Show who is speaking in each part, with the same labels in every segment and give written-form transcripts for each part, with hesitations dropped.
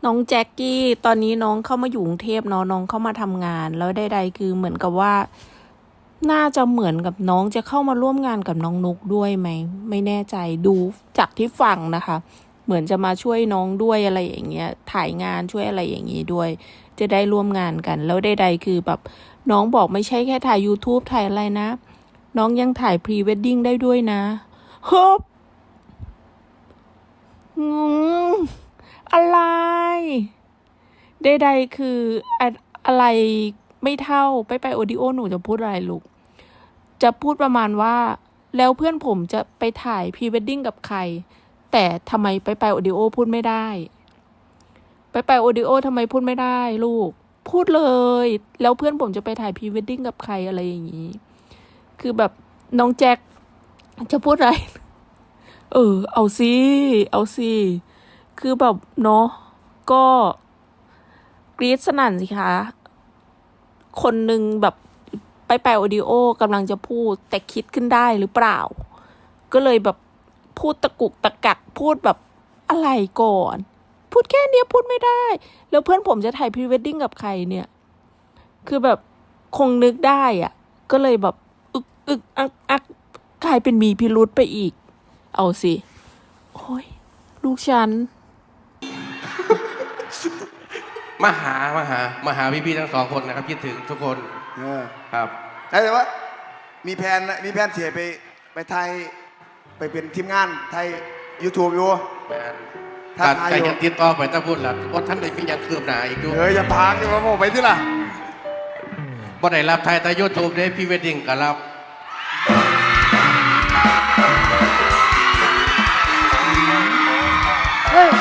Speaker 1: น้องแจ็คกี้ตอนนี้น้องเข้ามาอยู่กรุงเทพเนาะน้องเข้ามาทำงานแล้วใดๆคือเหมือนกับว่าน่าจะเหมือนกับน้องจะเข้ามาร่วมงานกับน้องนุกด้วยไหมไม่แน่ใจดูจากที่ฟังนะคะ เหมือนจะมาช่วยน้องด้วยอะไรอย่างเงี้ยถ่ายงานช่วยอะไรอย่างงี้ด้วย จะได้ร่วมงานกันแล้วใดๆคือแบบน้องบอกไม่ใช่แค่ถ่าย YouTube ถ่ายอะไรนะน้องยังถ่ายพรีเวดดิ้งได้ด้วยนะเฮ้ยอะไรใดๆคืออะไรไม่เท่าไปโอดิโอหนูจะพูดอะไรลูกจะพูดประมาณว่าแล้วเพื่อนผมจะไปถ่ายพรีเวดดิ้งกับใครแต่ทำไมไปโอดิโอพูดไม่ได้ไปโอดิโอทำไมพูดไม่ได้ลูกพูดเลยแล้วเพื่อนผมจะไปถ่ายพรีเวดดิ้งกับใครอะไรอย่างนี้คือแบบน้องแจ็คจะพูดอะไรเอาสิคือแบบเนาะก็กรี๊ดสนั่นสิคะคนหนึ่งแบบไปโอดิโอกำลังจะพูดแต่คิดขึ้นได้หรือเปล่าก็เลยแบบพูดตะกุกตะกักพูดแบบอะไรก่อนพูดแค่เนี้ยพูดไม่ได้แล้วเพื่อนผมจะถ่ายพรีเวดดิ้งกับใครเนี่ยคือแบบคงนึกได้อ่ะก็เลยแบบอึกอักกลายเป็นมีพิรุธไปอีกเอาสิโอ้ยลูกฉัน
Speaker 2: มาหาพี่ๆทั้งสองคนนะครับคิดถึงทุกคนครับ
Speaker 3: แต่ว่ามีแผนเสียไปไทยไปเป็นทีมงานไทย YouTube อยู่
Speaker 2: การใจยังติดต่อไปถ้าพูดแล้วว่าท่านได้มีอย่างคืบหน้าอีกด้วย
Speaker 3: อย่าพากดิว่าผมไปที่ล่ะ
Speaker 2: บ่ได้รับไทยแต่ยูทูบได้พี่เวดดิ้งก็รับ
Speaker 4: เฮ้ย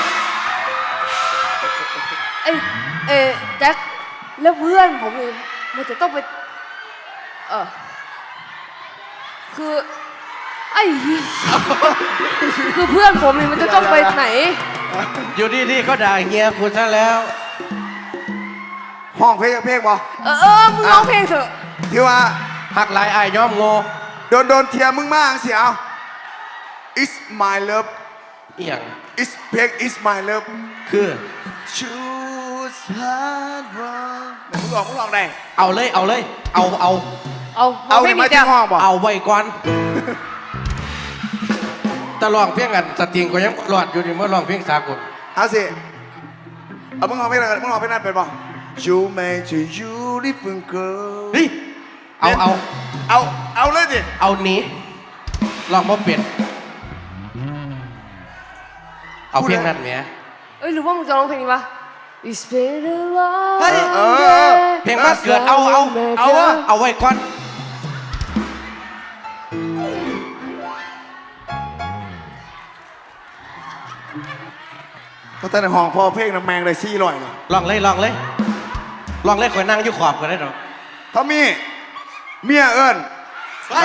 Speaker 4: แจ็คแล้วเพื่อนผมเองมันจะต้องไปคือคือเพื่อนผมเนี่ยมันจะต้องไปไหน
Speaker 2: อยู่ดีๆก็ด่าเฮียคุณซะแล้ว
Speaker 3: ห้องเพลงบ่
Speaker 4: มึงร้องเพลงเถอะ
Speaker 3: ที่ว่า
Speaker 2: หักหลายอายย้อมโง่
Speaker 3: โดนเทียมึงมากเสียเอา It's my love
Speaker 2: เอียง
Speaker 3: It's เพลง It's my love
Speaker 2: คือ
Speaker 3: Choose hard one มึงลองได้
Speaker 2: เอาเลยเอา
Speaker 3: ไม่ที่ห้องบ่
Speaker 2: เอาไว้ก่อนตะลองเพียงกันสติงก็ยังรอดอยู่นี่เมื่อลองเพียงสากล
Speaker 3: เอาสิเอามึงลองเพลงนั่นเป็นบ่ You made a beautiful girl
Speaker 2: นี่
Speaker 3: เอาเลยสิ
Speaker 2: เอานี้ลองมาเปลี่ยนเอาเพียงนั้นไหม
Speaker 4: หรือว่ามึงจะร้องเพลงนี้ปะ It's been a long
Speaker 2: เพลงมาเกิดเอาไว้ก่อน
Speaker 3: เพราะแต่ในห้องพอเพลงน้ำแมงเลยซี่ลอยเลย
Speaker 2: ลองเลยคอยนั่งอยู่ขอบกันได้หรอ
Speaker 3: ทอมมี่เมียเอิญไป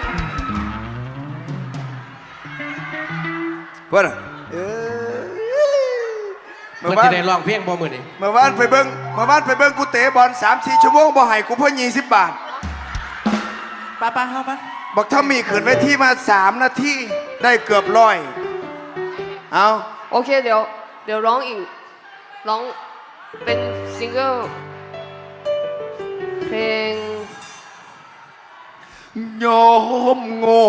Speaker 3: เพื่อน
Speaker 2: เมื่อที่ได้ลองเพลงบ่มือนี่
Speaker 3: เมื่อวานไปเบิ้งกูเตะบอล3-4 ชั่วโมงบ่ให้กูเพิ่ม20 บาท
Speaker 2: ป้าเข้าปะ
Speaker 3: บอกทอมมี่ขืนไว้ที่มา3 นาทีได้เกือบ100เอา
Speaker 4: โอเคเดี๋ยวร้องอีกร้องเป็นซิงเกิลเพลง
Speaker 3: ยอมโง่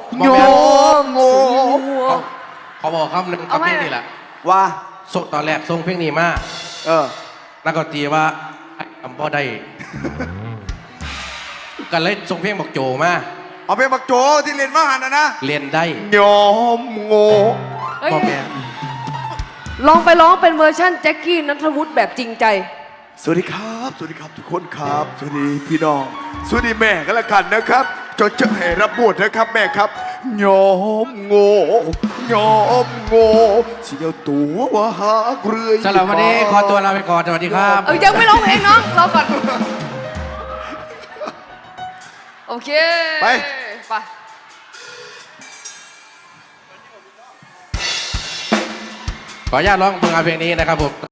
Speaker 2: เขาบอกคำหนึ่งกับเพลงนี่แหละ
Speaker 3: ว่า
Speaker 2: ส่งตอนแรกส่งเพลงนี้มาแล้วก็ตีว่าทำพ่อได้กันเลยส่งเพลงบอกโจมา
Speaker 3: เอาเพลงบอกโจที่เรียนว่าหันนะ
Speaker 2: เรียนได้
Speaker 3: ยอมโง่
Speaker 2: บอกแม่
Speaker 4: ลองไปร้องเป็นเวอร์ชั่นแจ็คกี้ณัฐวุฒิแบบจริงใจ
Speaker 3: สวัสดีครับทุกคนครับสวัสดีพี่น้องสวัสดีแม่กันละกันนะครับจะให้รับบทนะครับแม่ครับยอมโง่เสียวตัวว่าหาเรื่อย
Speaker 2: สำหรับวันนี้ขอตัวลาไปก่อนสวัสดีครับ
Speaker 4: ยังไม่ร้องเพลงน้องรอก่อนโอเค
Speaker 3: ไป
Speaker 2: ขออนุญาตร้องเพลงนี้นะครับผม